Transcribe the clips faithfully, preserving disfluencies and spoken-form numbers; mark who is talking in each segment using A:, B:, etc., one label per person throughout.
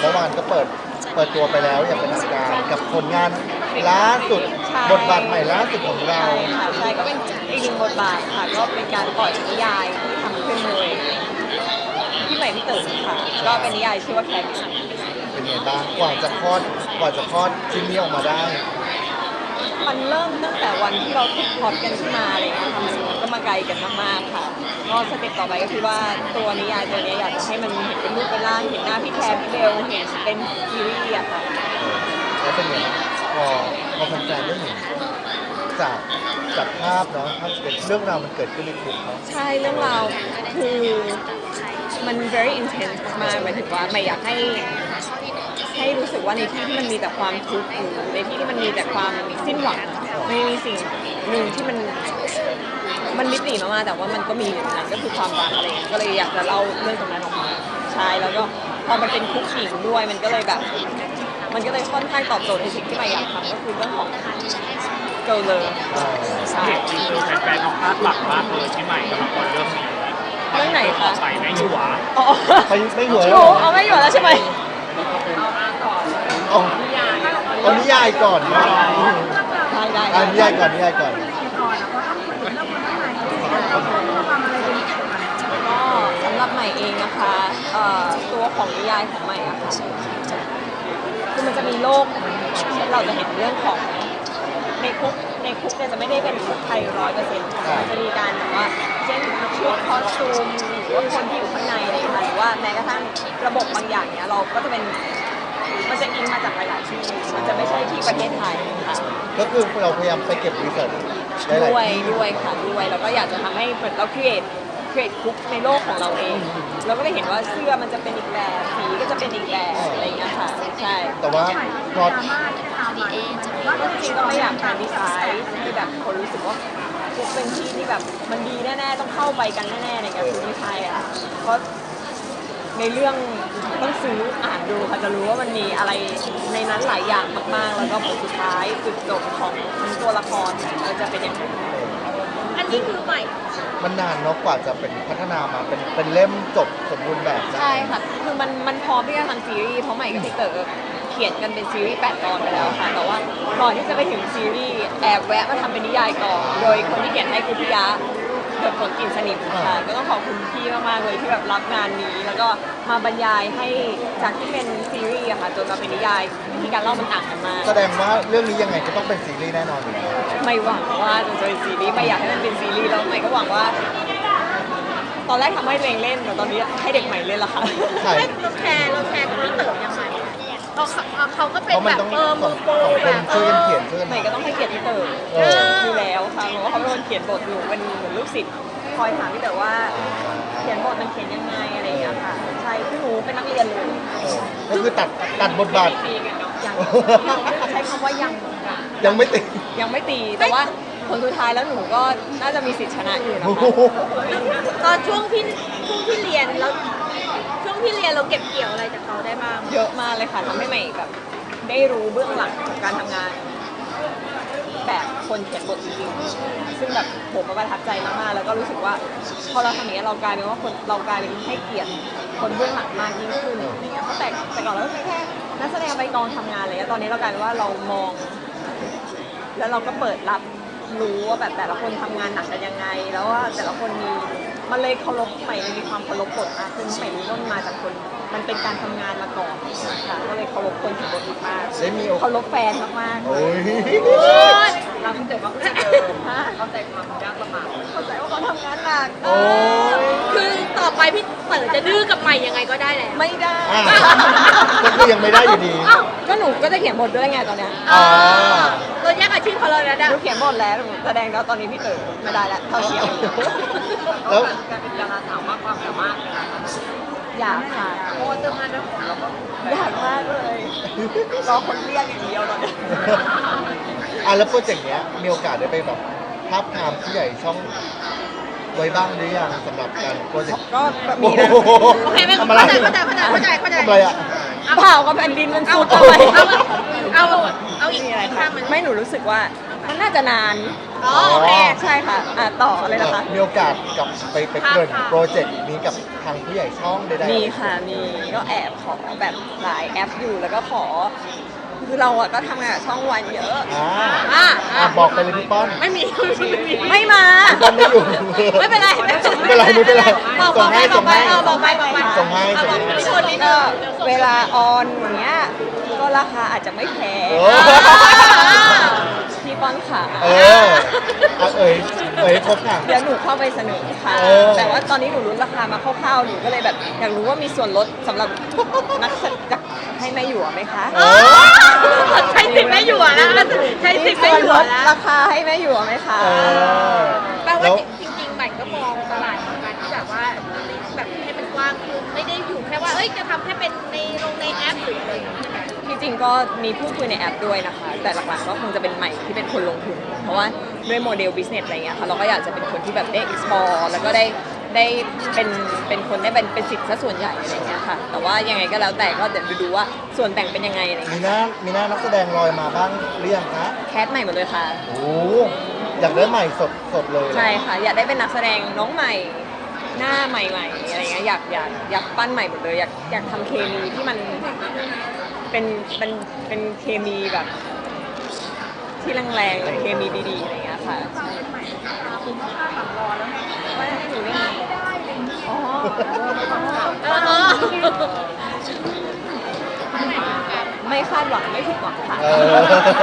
A: เมื่อวานก็เปิดเปิดตัวไปแล้วอย่างเป็นทางการกับผลงานล่าสุดบทบาทใหม่ล่าสุดของเรา
B: ใช่ค่ะใช่ก็เป็นอีกหนึ่งบทบาทค่ะก็เป็นการปล่อยนิยายที่ทำขึ้นโดยพี่ใหม่พี่เต๋อค่ะก็เป็นนิยายชื่อว่าแคร์
A: เป็นไงบ้างกว่าจะคลอดกว่าจะคลอดชิ้นนี้ออกมาได้
B: มันเริ่มตั้งแต่วันที่เราคิดพล็อตกันขึ้นมาอะไรเงี้ยค่ะมันก็มาไกลกันมากๆค่ะก็สเต็ปต่อไปก็คือว่าตัวนิยายตัวนี้อยากจะให้มันเห็นเป็นรูปเป็นร่างเห็นหน้าพี่แคร์พี่เบลเห็นเป็นซีรีส์อะค่ะ
A: แล้วเป็นไงบ้างพอพอแฟนๆได้เห็นจากจากภาพเนาะภาพเรื่องราวมันเกิดขึ้นในกลุ่มเนาะ
B: ใช่เรื่องราวคือมัน very intense มากๆหมายถึงว่าไม่อยากให้ให้รู้สึกว่าในที่ที่มันมีแต่ความทุกข์อยู่ในที่ที่มันมีแต่ความสิ้นหวังไม่มีสิ่งหนึ่งที่มันมันมิติมากๆแต่ว่ามันก็มีอยู่นั้นก็คือความรักอะไรอย่างเงี้ยก็เลยอยากจะเล่าเรื่องตรงนั้นออกมาใช่แล้วก็พอมันเป็นคุกหญิงด้วยมันก็เลยแบบมันก็เลยค่อนข้างตอบโจทย์ในสิ่งที่ไม่อยากทำก็คือเรื่องของเกิร์ลเลยใช่
C: เห็นจริงคือแฟนๆเขาคาดหวังมากเลยที่ใหม่กำลังเรื่องนี้
B: เรื่องไหนคะ
C: ใส่ไม่หยัว
B: อ๋อ
A: ไปไม่หัว
B: โอ้
A: แล้วเหรอ
B: เอาไม่อยู่แล้วใช่ไหม
A: เอาเอานิยายก่อนเนาะ
B: ได้ได้
A: อ่ะนิยายก่อนนิยายก่อน
B: ก็สำหรับใหม่เองนะคะเอ่อตัวของนิยายของใหม่อะค่ะคือมันจะมีโลกที่เราจะเห็นเรื่องของในคุกในคุกเนี่ยจะไม่ได้เป็นคุกไทยร้อยเปอร์เซ็นต์ค่ะมันจะมีการแบบว่าเช่นชุดคอสตูมหรือว่าคนที่อยู่ข้างในอะไรอย่างเงี้ยหรือว่าแม้กระทั่งระบบบางอย่างเนี้ยเราก็จะเป็นมันจะอิงมาจากหลายๆที่มันจะไม่ใช่ที่ประเทศไทยค่ะ
A: ก็คือเราพยายามไปเก็บรีเสิร์ชหลาย
B: ด้วย
A: ๆที่
B: ด้วยค่ะด้วยแล้วก็อยากจะทำให้เหมือนเรา create create คุกในโลกของเราเองเราก็ได้เห็นว่าเสื้อมันจะเป็นอีกแบบสีก็จะเป็นอีกแบบอะไรอย่างเงี้ยค่ะใช่
A: แต่ว่าพอ
B: ก็จริงๆก็ไม่อยากทำดีไซน์ให้แบบคนรู้สึกว่าคุกเป็นที่ที่แบบมันดีแน่ๆต้องเข้าไปกันแน่ๆอะไรเงี้ยคือไม่ใช่อ่ะเพราะในเรื่องต้องซื้ออ่านดูค่ะจะรู้ว่ามันมีอะไรในนั้นหลายอย่างมากๆ แล้วก็ผลสุดท้ายจุดจบของตัวละครมันจะเป็นอย่างไร
D: อันนี้คือใหม่
A: มันนานเนาะกว่าจะเป็นพัฒนามาเป็นเป็นเล่มจบสมบูรณ์แบบได้
B: ใช่ค่ะ คือมันมันพร้อมที่จะทำซีรีส์เพราะใหม่กับพี่เต๋อเขียนกันเป็นซีรีส์แปดตอนไปแล้วค่ะ แต่ว่าก่อนที่จะไปถึงซีรีส์แอบแวะมาทำเป็นนิยายก่อน โดยคนที่เขียนให้คือพี่ยะเกิดผลกลิ่นสนิทค่ะ ก็ต้องขอบคุณพี่มากๆเลยที่แบบรับงานนี้ แล้วก็มาบรรยายให้จากที่เป็นซีรีส์อะค่ะจนมาเป็นนิยายวิธีการเล่ามันต่างกันมาก
A: แสดงว่าเรื่องนี้ยังไงก็ต้องเป็นซีรีส์แน่นอนอยู่แล้ว
B: ไม่หวังว่าจะเป็นซีรีส์ไม่อยากให้มันเป็นซีรีส์แล้วใหม่ก็หวังว่า ตอนแรกทำให้ตัวเองเล่นแต่ตอนนี้ให้เด็กใหม่เล่นละค่ะ
A: ใช่
D: ไม่เราแชร์เราแชร์กับพี่เต๋อยังไงเราเขาเขาก็เป็น
A: เพราะมั
D: แบ
A: น
D: บ
A: ต้อง
D: เออ
A: ส
D: มื
A: อง
D: อโปร
A: สองค
D: แบ
A: น
D: บเอ
A: ช่วยกัน
D: อ
A: เขียนช่วยกัน
B: ใหม่ก็ต้องให้เกียรติพี่เต๋อ
A: เออ
B: อยู่แล้วค่ะเพราะว่าเขาเป็นคนเขียนบทอยู่เป็นเหมือนลูกศิษย์คอยถามพี่เต๋อว่าเขียนบทมันเขียนยังไงอะไรอย่างเงี้ยค่ะใช่คือหนูเป็นนักเรียนเลย
A: เออก็คือตัดตัดบทบาท
B: ยังใช้คำว่ายัง
A: ยังไม่ติด
B: ยังไม่ตีแต่ว่าผลสุดท้ายแล้วหนูก็น่าจะมีสิทธิชนะอยู่นะ
A: โอ้
B: คะ
A: โห
D: ตอนช่วงที่ช่วงที่เรียนแล้วช่วงที่เรียนเราเก็บเกี่ยวอะไรจากเขาได้บ้าง
B: เยอะมากเลยค่ะทำให้ใหม่แบบได้รู้เบื้องหลังของการทำงาน แบบคนเขียนบทจริงๆ ซึ่งแบบผมประทับใจมากๆ แล้วก็รู้สึกว่าพอเราทำอย่างนี้ยเรากลายเป็นว่าคนเรากลายเป็นให้เกียรติคนเบื้องหลังมากยิ่งขึ้นอะไรเงี้ยเพราะแต่แต่ก่อนเราก็แค่นักแสดงไปกองทำงานอะไรเงี้ยตอนนี้เรากลายเป็นว่าเรามอง แล้วเราก็เปิดรับรู้ว่าแบบแต่ละคนทำงานหนักกันยังไง แล้วว่าแต่ละคนมีมันเลยเคารพใหม่มันมีความเคารพบทมากขึ้นใหม่รู้ว่ามันมาจากคนมันเป็นการทำงานมาก่อนค่ะก็เลยเคารพคนเขียนบทมาก
A: ได้มีโอกาส
B: เคารพแฟนมากๆเล
A: โอ้
B: ย
A: ย
B: เราเข้าใจว่าเขาเจอเข้าใจความยากลำบากเข้าใจว่าเขาทำงานหนัก
A: โอ้ย
D: คือต่อไปพี่เต๋อจะดื้อกับใหม่ยังไงก็ได้แหละ
B: ไม่ได้
A: อ่ะก็คือยังไม่ได้อยู่ดี
D: อ้าว
B: ก็หนูก็จะเขียนบทด้วยไงตอนเนี้ย
A: อ๋อ
D: เราแยกอาชีพเขาเลยนะ
B: ห
D: ดะ
B: นูเขียนบทแล้วหนูแสดงแล้วตอนนี้พี่เต๋อไม่ได้แล้วเท่าเทียม
A: แล้ว
B: การเป็นดาราสาวมากความสามารถอยากค่ะเพราะว่าเสื้อผ้าหน้าผมเราก็อยากมากเลยรอคนเรียกอย่างเดียวตอนนี้
A: อ่ะแล้วโปรเจกต์เนี้ยมีโอกาสได้ไปแบบทาบทามผู้ใหญ่ช่องไว้บ้างหรือยังสำหรับการโปรเจกต์
B: ก็มีนะ
A: โอ้โห
D: โอเคไม่
A: ทำ
D: เข้า
A: อะไร
D: ใจเข้าใจเข้าใจเข้าใจเข้าใจ
A: ทำอะไรอ่ะ
B: เผากับแผ่นดินมัน
D: เอา
B: สุด
D: เอา
B: ทำไม
D: เอาเอาเอาอีก
B: มีอะไร
D: ข้า
B: คะ
D: งมัน
B: ไม่หนูรู้สึกว่ามันน่าจะนาน
D: อ๋อโอเค
B: ใช่ค่ะอ่ะต่อเลยนะคะ
A: มีโอกาสกับไปไปเกริ่นโปรเจกต์นี้กับทางผู้ใหญ่ช่องใดๆ
B: มีค่ะ มีก็แอบขอแบบหลายแอปอยู่แล้วก็ขอ คือเราอะก็ทำงานกับช่องวันเยอะ
A: อ่า
D: อ่ะ
A: อ่ะบอกไปเลยพี่ป้อน
D: ไม่มีไม่มี
B: ไม่มา
A: พี่ป้อนไม่อยู่
D: ไม่เป็นไรไม่
A: ไม่เป็นไรไม่เป็นไร
D: บอกบอกไปบอกไปเออบอกไปบอกไป
A: ส่งให้
D: เอาบอก
A: ส่งให้
D: พี่คนนิดนึ
B: ก็
D: ง
B: เวลาออนอย่างเงี้ยก็ราคาอาจจะไม่แพง
A: โอ้
B: พี่ป้อนขา
A: เอออ่ะเอ่ยเอ่ยครบค่ะ
B: เดี๋ยวหนูเข้าไปเสนอค่ะ
A: เออ
B: แต่ว่าตอนนี้หนูรู้ราคามาคร่าวๆหนูก็เลยแบบอยากรู้ว่ามีส่วนลดสำหรับนักแสดงให้แม่หยวไหมคะ
D: เออใช้สิทธิ์ไม่อยู่อะนะใช้สิทธิ์ไม่
B: ส่วน
D: อยู่
B: ล
D: อะ
B: ด
D: นะ
B: ราคาให้แม่หยวไหมคะ
A: เออ
D: แปลว่า
A: แล้ว
D: จริงๆใหม่ก็มองตลาดของการที่แบบว่าแบบให้มันกว้างขึ้นไม่ได้อยู่แค่ว่าเอ้ยจะทำแค่เป็นในลงในแอปหรืออะไรอย่างเงี้ยใช่ไหม
B: ที่จริงก็มีพูดคุยในแอปด้วยนะคะ แต่หลักๆก็คงจะเป็นใหม่ที่เป็นคนลงทุน เพราะว่าด้วยโมเดล business อะไรเงี้ยค่ะเราก็อยากจะเป็นคนที่แบบได้ explore แล้วก็ได้ได้เป็นเป็นคนได้เป็นเป็นสิทธิ์ซะส่วนใหญ่อะไรเงี้ยค่ะ แต่ว่ายังไงก็แล้วแต่ก็เดี๋ยวดูว่าส่วนแบ่งเป็นยังไงอะไร
A: มี
B: เงี้ย
A: หน้ามีหน้านักแสดงลอยมาบ้างหรือยังคะ
B: แคสใหม่หมดเลยค่ะ
A: โอ้อยากได้ใหม่สดสดเลย
B: ใช่ค่ะ อยากได้เป็นนักแสดงน้องใหม่ หน้าใหม่ๆอะไรเงี้ยอยากอยากอยากปั้นใหม่หมดเลยอยากอยากทำเคมีที่มันเป็นเป็นเป็นเคมีแบบ ที่แรงๆเลยเคมีดีๆอะไรเงี้ยค่ะใช่ว่าให้หนูเล่นอ๋อ
D: เออเออ
B: ไม่คาดหวังไม่ผิดหวังค่ะ
A: เออ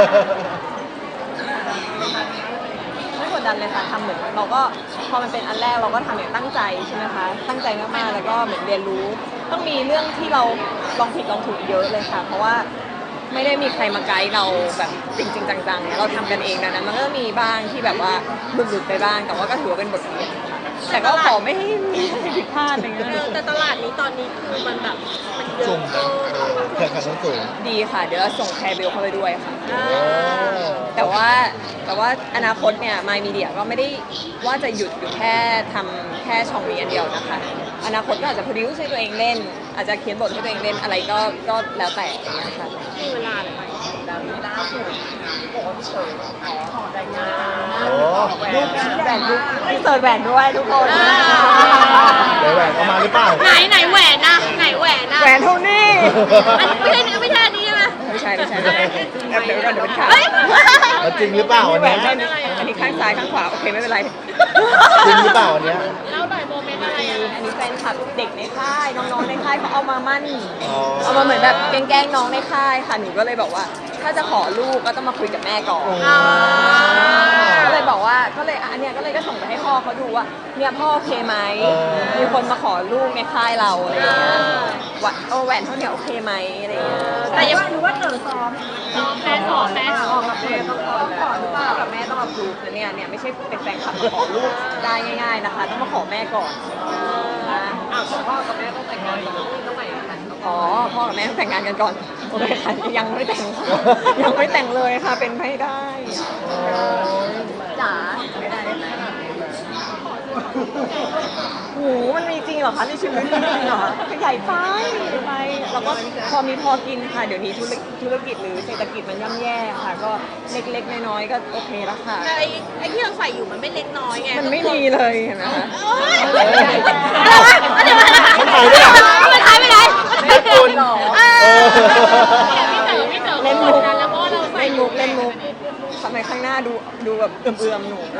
B: ไม่กดดันเลยค่ะทำเหมือนเราก็พอมันเป็นอันแรกเราก็ทำอย่างตั้งใจใช่ไหมคะตั้งใจมากๆแล้วก็เหมือนเรียนรู้ ต้องมีเรื่องที่เราลองผิดลองถูกเยอะเลยค่ะ เพราะว่าไม่ได้มีใครมาไกด์เราแบบจริงๆจังๆเนี่ยเราทำกันเองดังนั้นมันก็มีบ้างที่แบบว่าหลุดๆไปบ้าง แต่ว่าก็ถือว่าเป็นบทเรียนแต่ก็ขอไม่ให้มีอะไรผิดพลาดอะไรเงี้
D: เออย แต่ตลาดนี้ตอนนี้คือมันแบบมันเย
A: จุ่
D: อะ
A: ม
D: เอ
A: นะ
D: อ
A: แข่งขันสูงสูง
B: ดีค่ะ เดี๋ยวเราส่งแคร์เบลเข้าไปด้วยค่ะ
A: โอ้
B: แต่ว่าแต่ว่าอนาคตเนี่ยมายมีเดียก็ไม่ได้ว่าจะหยุดอยู่แค่ทำแค่ช่องนี้อันเดียวนะคะ อนาคตก็อาจจะ produce ให้ตัวเองเล่น อาจจะเขียนบทให้ตัวเองเล่นอะไรก็ก็แล้วแต่อย่างเงี้ยค่ะ
D: มีเวลาเลยไหม
B: ล่าสุดโอ้เฉิขอแต่งงาน
A: โอ้
B: รูปแหวนรูปเสิร์ชแหวนด้วยทุกคน
A: เดี๋ยวแหวนเอามาหรือเปล่า
D: ไหนไหนแหวนนะไหนแหวนนะ
B: แหวนเท่านี้
D: อันนี้ไม่ใช่ไม่ใช่อันนี้ใช่ไหม
B: ไม่ใช่ไม่ใช่แอบเดี๋ยวก่อนเดี๋ยวเป็นข่าว
D: เฮ้ย
A: แล้วจริงหรือเปล่าอัน
B: แหว
A: เนี้
B: น
A: ย
B: เท่านี้อันนี้ข้างซ้ายข้างขวาโอเคไม่เป็นไร
A: จริงหรือเปล่าอันเนี้ย
D: แล้วหน่อยโมเมนต์อะไรอ่ะ
B: อันนี้แฟนคลับเด็กในค่ายน้องๆในค่ายเขาเอามามั่น
A: อ๋อ
B: เอามาเหมือนแบบแกล้งๆน้องในค่ายค่ะหนูก็เลยบอกว่า ถ้าจะขอลูกก็ต้องมาคุยกับแม่ก่อน
D: อ๋อ
B: ก็เลยบอกว่าก็เลยอันเนี้ยก็เลยก็ส่งไปให้พ่อเขาดูว่าเนี่ยพ่อโอเคไหมมีคนมาขอลูกในค่ายเราอะไรอย่างเงี้ยว่าโอแหวนเท่าเนี้ยโอเคไหมอะไรอย่างเงี้ย
D: แต่ยังรู้ว่าเต๋อซ้อมซ้อมแม่ซ้อมแม่ซ้อม
B: กับแม่ต้องขอขอหรือเปล่ากับแม่ต้องอัพรูฟนะเนี่ยเนี่ยไม่ใช่เป็นแฟนคลับมาขอลูกได้ง่าย ๆนะคะ ต้องมาขอแม่ก่อนนะอ้าวพ่อกับแม่ต้องแต่งงานก่อนต้องแต่งงานกันอ๋อพ่อกับแม่ต้องแต่งงานกันก่อนโอเคค่ะยังไม่แต่งค่ะยังไม่แต่งเลยค่ะเป็นไม่ได้จ๋าไม่ได้โอ้โหมันมีจริงเหรอคะในชีวิตมีจริงเหรอใหญ่ไปไปแล้วก็พอมีพอกินค่ะเดี๋ยวนี้ธุรธุรกิจหรือเศรษฐกิจมันย่ำแย่ค่ะ ก็เล็กๆน้อยๆก็โอเคแล้วค่ะ
D: แต่ไอ้ไอ้ที่เราใส่อยู่มันไม่เล็กน้อยไง
B: มันไม่มีเลยเห็นไหมคะ
D: โอ๊ยเดี๋ยวมา
A: มันหายไปไหน
D: มันหายไปไหน
A: แม่คุณ
B: เอ
A: เออ
B: เล่นมุกเล่นมุกเล่นมุกทำไมข้างหน้าดูดูแบบเอื่อมๆหนู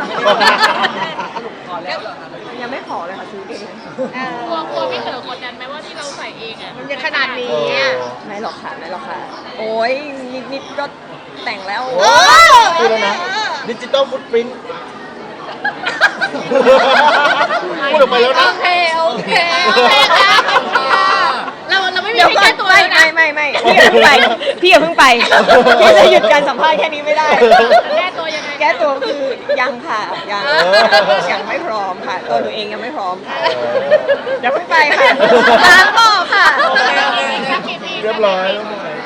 B: ยังไม่ขอเลยค่ะซื้อเอง
E: กลัวกลัวพี่เต๋อกดดันไหมว่าที่เราใส่เองอ่ะ
D: มันจะขนาดนี้
A: เออ
D: อ่ะ
B: ไม่หรอกค่ะไม่หรอกค่ะ โอ้ยนิดๆก็แต่งแล้ว
A: โอ้พูดแล้วนะดิจิตอลฟุตปรินท์พูดออกไปแล้ว
D: โอ
A: นะ
D: เคโอเคโอเคค่ะเราเราไม่มี
B: เดี๋ยว
D: ให้
B: ก่อ
D: แก้
B: น
D: ตัว
B: ไม่
D: แล้วนะ
B: ไม่ไม่ไม่พี่อย่าเพิ่งไปพี่อย่าเพิ่งไปพี่จะหยุดการสัมภาษณ์แค่นี้ไม่ได้
E: แก้ตัวยังไง
B: แก้ตัวคือยังค่ะยังยังไม่พร้อมค่ะ ตัวหนูเองยังไม่พร้อมค่ะอย่าเพิ่งไปค่ะล้างบอกค่ะ
A: เรียบร้อยแล้ว